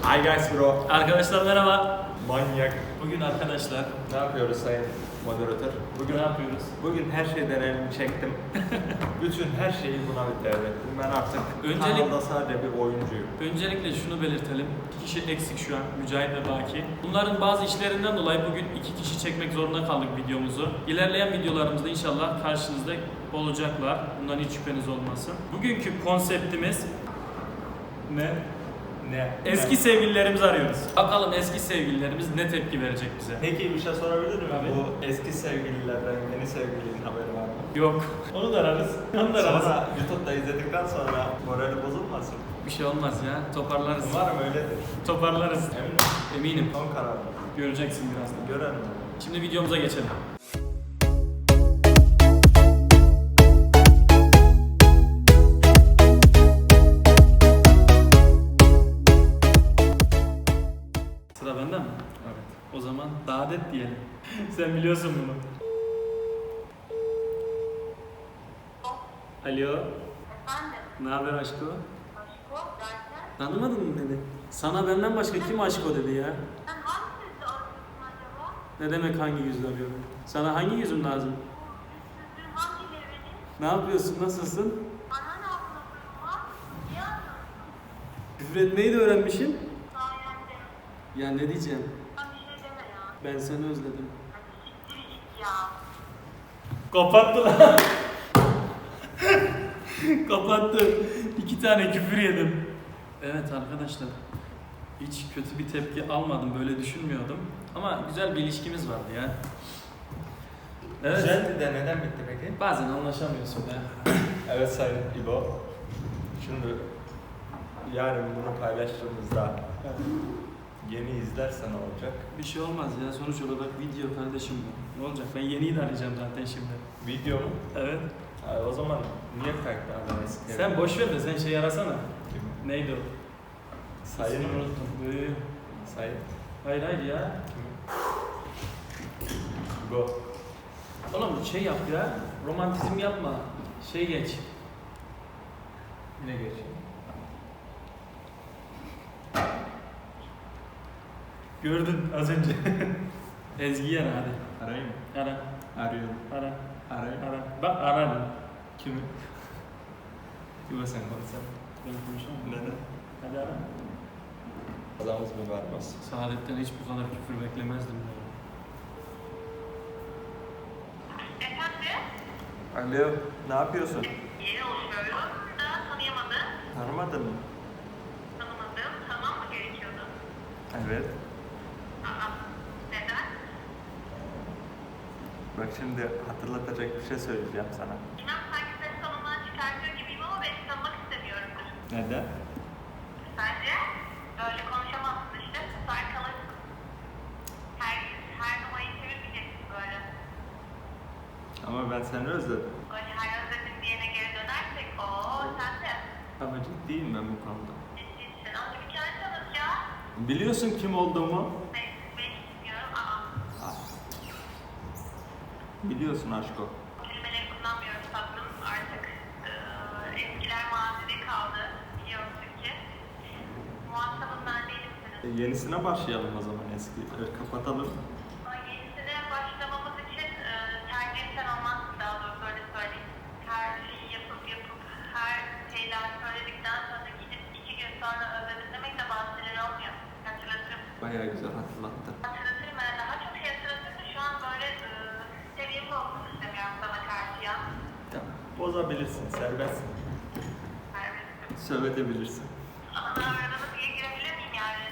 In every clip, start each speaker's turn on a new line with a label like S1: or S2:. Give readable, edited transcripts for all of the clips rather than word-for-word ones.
S1: Hi guys bro.
S2: Arkadaşlar merhaba.
S1: Manyak.
S2: Bugün arkadaşlar
S1: Ne yapıyoruz sayın moderatör?
S2: bugün ne yapıyoruz?
S1: Bugün her şeyden elimi çektim. Bütün her şeyi buna bir devrettim. Ben artık kanalda sadece bir oyuncuyum.
S2: Öncelikle şunu belirtelim. 2 kişi eksik şu an. Mücahit ve Baki. Bunların bazı işlerinden dolayı bugün 2 kişi çekmek zorunda kaldık videomuzu. İlerleyen videolarımızda inşallah karşınızda olacaklar. Bundan hiç şüpheniz olmasın. Bugünkü konseptimiz ne? Eski sevgililerimizi arıyoruz. Bakalım eski sevgililerimiz ne tepki verecek bize?
S1: Peki bir şey sorabilir miyim?
S2: Tabii.
S1: Bu eski sevgililerden yeni sevgilinin haberi var mı?
S2: Yok. Onu da ararız. Onu da ararız.
S1: Sonra YouTube'da izledikten sonra morali bozulmasın.
S2: Bir şey olmaz ya. Toparlarız.
S1: Umarım öyledir.
S2: Toparlarız.
S1: Emin misin?
S2: Eminim.
S1: Son karar.
S2: Göreceksin birazdan.
S1: Görelim.
S2: Şimdi videomuza geçelim. Sıra bende mi?
S1: Evet.
S2: O zaman dadet diyelim. Sen biliyorsun bunu. Alo.
S3: Efendim?
S2: Ne haber aşko?
S3: Aşko derken?
S2: Tanımadın mı beni? Sana benden başka kim aşko dedi ya?
S3: Sen hangi yüzle arıyorsun acaba?
S2: Ne demek hangi yüzle arıyorum? Sana hangi yüzüm lazım?
S3: Bu yüzsüzlüğün hangi levreni?
S2: Ne yapıyorsun? Nasılsın?
S3: Bana ne yapıyorsun var? Niye arıyorsun?
S2: Küfür etmeyi de öğrenmişim.
S3: Sayende.
S2: Ya ne diyeceğim?
S3: Sen bir şey deme ya.
S2: Ben seni özledim.
S3: Hadi siktir git ya.
S2: Kapattı lan. Kapattı. 2 tane küfür yedim. Evet arkadaşlar. Hiç kötü bir tepki almadım. Böyle düşünmüyordum. Ama güzel bir ilişkimiz vardı ya. Evet.
S1: Güzeldi de neden bitti peki?
S2: Bazen anlaşamıyorsun ya.
S1: Evet sayın İbo. Şimdi yarın bunu paylaştığımızda yeni izlersen olacak.
S2: Bir şey olmaz ya. Sonuç olarak video kardeşim bu. Ne olacak? Ben yeniyi de arayacağım zaten şimdi.
S1: Video mu?
S2: Evet.
S1: O zaman niye kayıtlardın eski?
S2: Sen boş ver de sen şey arasana.
S1: Kim?
S2: Neydi o?
S1: Sayın
S2: İsmini
S1: mı?
S2: unuttum.
S1: Sayın.
S2: Hayır hayır ya.
S1: İbo.
S2: Oğlum şey yap ya. Romantizm yapma. Şey geç.
S1: Ne geçiyor?
S2: Gördün az önce. Ezgi'yi ara hadi.
S1: Arayayım mı?
S2: Ara.
S1: Arıyorum.
S2: Ara.
S1: Arayayım.
S2: Ara. Bak ara.
S1: Kimi? İbo sen konuşsana.
S2: Ben konuşamam.
S1: Neden?
S2: Hadi ara.
S1: Adamız mübarmaz.
S2: Saadet'ten hiç bu kadar küfür beklemezdim.
S3: Efendim?
S1: Alo, ne yapıyorsun?
S3: Yeni oluşuyorum. Daha tanıyamadım.
S1: Tanımadın mı?
S3: Tanımadım. Tamam mı gerekiyordu?
S1: Evet.
S3: Aa. Neden?
S1: Bak şimdi hatırlatacak bir şey söyleyeceğim sana.
S3: İnan sanki seni tanımdan çıkartıyor gibiyim ama beni tanımak istemiyorumdur.
S1: Neden?
S3: Sence? Böyle konuşamazsın işte. Susar kalırsın. Her numarayı çevirmeyeceksin böyle.
S1: Ama ben seni özledim.
S3: Öyle her özledim diyene geri dönersek ooo sen de.
S1: Ama ciddiyim ben bu konuda.
S3: Ciddisin. Ama bir kere tanıt ya.
S1: Biliyorsun kim olduğumu?
S3: Ben bilmiyorum. Aa.
S1: Biliyorsun aşko.
S3: Kelimeleri kullanmıyorum tatlım. Artık eskiler mazide kaldı. Biliyorsun ki. Muhatabım ben değilim senin.
S1: Yenisine başlayalım o zaman eski. Kapatalım.
S3: Yenisine başlamamız için tercih sen olmazsın daha doğrusu öyle söyleyeyim. Her şeyi yapıp her şeyler söyledikten sonra gidip 2 gün sonra özledim demek de bazı şeyler olmuyor. Hatırlatırım.
S1: Bayağı güzel hatırlattı.
S3: Hatırlatırım ben daha çok şey hatırlatırım da şu an böyle seviyemi olsun istemiyorum sana karşı ya.
S1: Tamam. Bozabilirsin, serbestsin.
S3: Serbestim.
S1: Sövedebilirsin.
S3: Ama daha aranı diye girebilir miyim yani?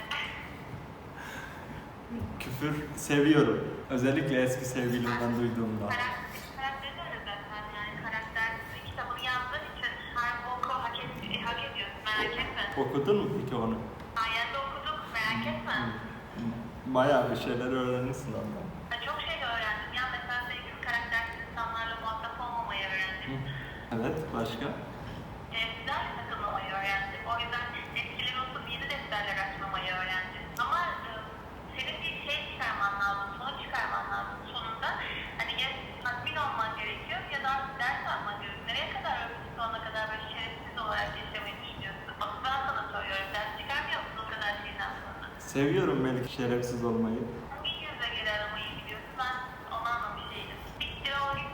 S1: Küfür seviyorum. Özellikle eski sevgilimden duyduğumda.
S3: Karakteri de öyle zaten yani karakter kitabını yazdığın için her boku hak ediyorsun merak etme.
S1: Okudun mu peki onu?
S3: Sayende okuduk merak etme.
S1: Bayağı bir şeyler öğrenirsin ondan.
S3: Ben çok şey öğrendim ya mesela sevgili karaktersiz insanlarla muhatap olmamayı öğrendim.
S1: Evet, başka?
S3: Defterle takılmamayı öğrendim. O yüzden eskileri unutup yeni defterler açmamayı öğrendim. Ama senin bir şey çıkarman lazım, sonuç çıkarman lazım sonunda. Hani ya tatmin olman gerekiyor ya da ders alman gerekiyor. Nereye kadar ömrünün sonuna kadar böyle şerefsiz olarak yaşamayı düşünüyorsun? Bak ben sana soruyorum, ders çıkarmıyor musun o kadar şeyden sonra?
S1: Seviyorum Melik şerefsiz olmayı.
S3: Bir yüze göre aramayı biliyorsun. Ben onu anlamış değilim. Bitti o gün.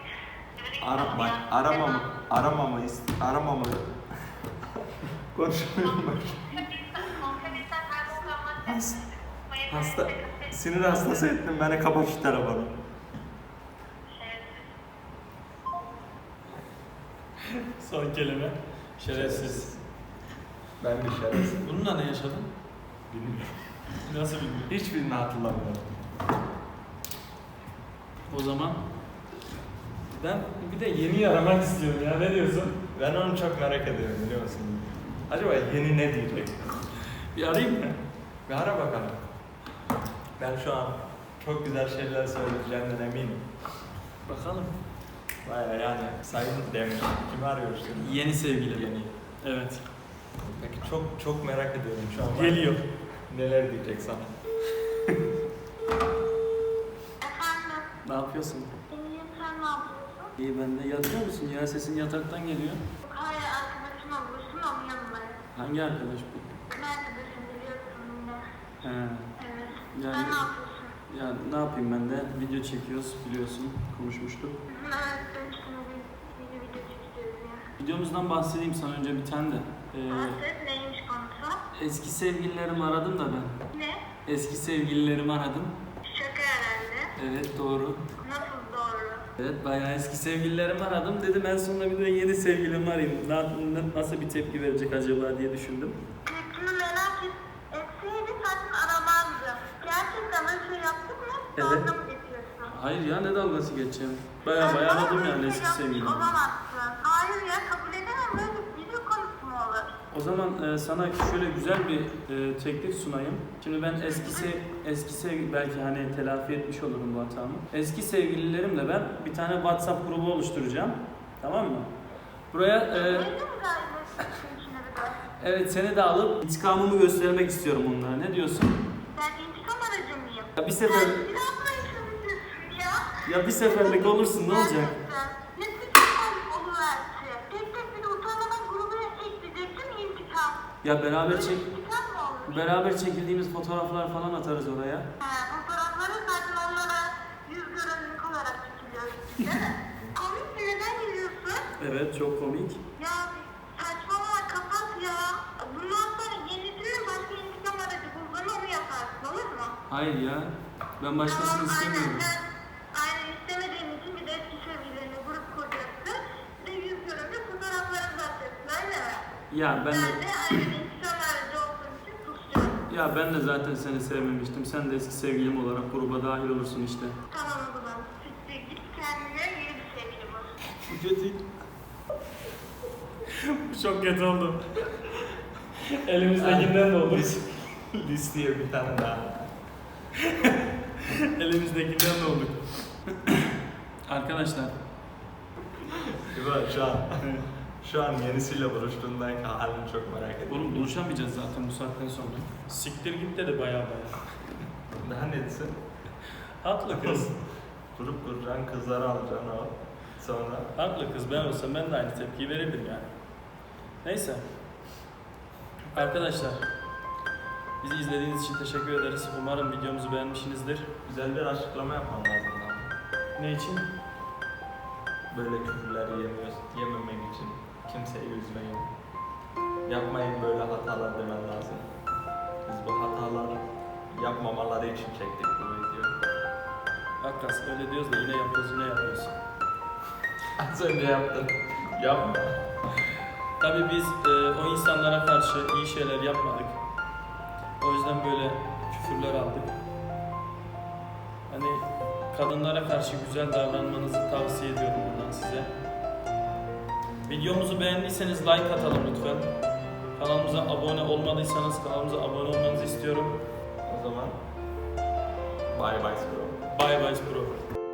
S1: Aramamı. Konuşmuyorum bak. Hasta, sinir hastası ettin beni, kapat şu telefonu.
S2: Son kelime. Şerefsiz.
S1: Ben bir şerefsiz.
S2: Bununla ne yaşadın?
S1: Bilmiyorum.
S2: Nasıl bilmiyorum.
S1: Hiçbirini hatırlamıyorum.
S2: O zaman ben bir de yeni aramak istiyorum ya. Ne diyorsun?
S1: Ben onu çok merak ediyorum, biliyor musun? Acaba yeni ne diyecek?
S2: Bir arayayım mı?
S1: Bir ara bakalım. Ben şu an çok güzel şeyler söyleyeceğinden eminim.
S2: Bakalım.
S1: Baya yani sayın demiş. Kimi arıyorsun?
S2: Yeni sevgili.
S1: Yeni.
S2: Evet.
S1: Peki çok merak ediyorum şu an.
S2: Geliyor.
S1: Neler diyecek sana?
S3: Efendim,
S2: Ne yapıyorsun?
S3: iyiyim, sen ne yapıyorsun?
S2: İyi, ben de. Yatıyor musun? Ya sesin yataktan geliyor.
S3: Hayır, arkadaşımla buluştum, onun yanındayım.
S2: Hangi arkadaş bu?
S3: Ne arkadaşım biliyorsun yine.
S2: He.
S3: Evet.
S2: Yani-
S3: Sen ne yapıyorsun?
S2: Ya ne yapayım, ben de video çekiyoruz, biliyorsun, konuşmuştuk.
S3: Evet, ben şimdi bir video çekiyoruz ya.
S2: Videomuzdan bahsedeyim sana önce bir tane de.
S3: Evet, neymiş konusu?
S2: Eski sevgililerimi aradım da ben.
S3: Ne?
S2: Eski sevgililerimi aradım.
S3: Şaka herhalde.
S2: Evet, doğru.
S3: Nasıl doğru?
S2: Evet, bayağı eski sevgililerimi aradım. Dedim en sonunda bir de yeni sevgilimi arayayım. Nasıl bir tepki verecek acaba diye düşündüm.
S3: Tepkimi merak etseydi zaten aramazdım. Gerçekten böyle şey yaptık mı?
S2: Evet.
S3: Dalga mı geçiyorsun?
S2: Hayır ya, ne dalgası geçeceğim. Bayağı aradım
S3: Bana
S2: yani
S3: böyle
S2: eski
S3: şey yapmış
S2: sevgilimi.
S3: olamazsın. Hayır ya, kabul edemem. Böyle video konusu mu olur?
S2: O zaman sana şöyle güzel bir teklif sunayım. Şimdi ben eski sevgili, belki hani telafi etmiş olurum bu hatamı. Eski sevgililerimle ben bir tane WhatsApp grubu oluşturacağım. Tamam mı? Buraya
S3: Öyle mi galiba sizin içine bir de?
S2: evet, seni de alıp intikamımı göstermek istiyorum onlara. Ne diyorsun?
S3: Ben intikam aracı mıyım?
S2: Ya bir
S3: Sen
S2: sefer
S3: ne yapmaya çalışıyorsun ya?
S2: ya bir seferlik olursun, ne olacak?
S3: Gerçekten. Ne sıkıntı oluverse. Tek tek bir de utanmadan gruba ekleyeceksin intikam.
S2: Ya
S3: Böyle intikam mı olur?
S2: beraber çekildiğimiz fotoğraflar falan atarız oraya.
S3: Fotoğrafları zaten onlara yüz görünümlük olarak çekiliyoruz, değil mi? Komik mi? Neden gülüyorsun?
S2: Evet, çok komik.
S3: Ya saçmalama, kapat ya. Bundan sonra yenisini başka intikam aracı bulduğunu onu yaparsın, olur mu?
S2: Hayır ya. Ben başkasını istemiyorum.
S3: Aynen istemediğin için bir de eski sevgililerine grup kuracaksın. Bir de yüz görünümlük fotoğraflarını atacaksın, öyle mi?
S2: Ya ben
S3: Ben
S2: de
S3: de aynen intikam aracı olduğum için susacağım.
S2: ya ben de zaten seni sevmemiştim. Sen de eski sevgilim olarak gruba dahil olursun işte.
S3: Tamam o zaman. Siktir git, kendine yeni bir sevgili bul.
S2: Kötü. Bu çok kötü oldu. Elimizdekinden de olur.
S1: Listeye bir tane daha.
S2: Elimizdekinden de olduk. Arkadaşlar.
S1: İbrahim şu an yenisiyle buluştuğundan halini çok merak ediyorum.
S2: Oğlum buluşamayacağız zaten bu saatten sonra. Siktir git dedi baya.
S1: Daha ne desin?
S2: Haklı kız.
S1: Grup kuracaksın, kızları alacaksın o. Sonra
S2: Haklı kız, ben olsam ben de aynı tepkiyi verirdim yani. Neyse. Arkadaşlar, bizi izlediğiniz için teşekkür ederiz. Umarım videomuzu beğenmişsinizdir.
S1: güzel bir açıklama yapman lazım lan.
S2: Ne için?
S1: Böyle küfürler yememek için kimseyi üzmeyin. Yapmayın böyle hatalar demen lazım. Biz bu hataları yapmamaları için çektik bu videoyu.
S2: Hakikaten öyle diyoruz da yine yapıyoruz.
S1: Az önce yaptın. Yapma.
S2: Tabii biz o insanlara karşı iyi şeyler yapmadık. O yüzden böyle küfürler aldık. Hani kadınlara karşı güzel davranmanızı tavsiye ediyorum buradan size. Videomuzu beğendiyseniz like atalım lütfen. Kanalımıza abone olmadıysanız kanalımıza abone olmanızı istiyorum.
S1: O zaman bye bye bro.
S2: Bye bye bro.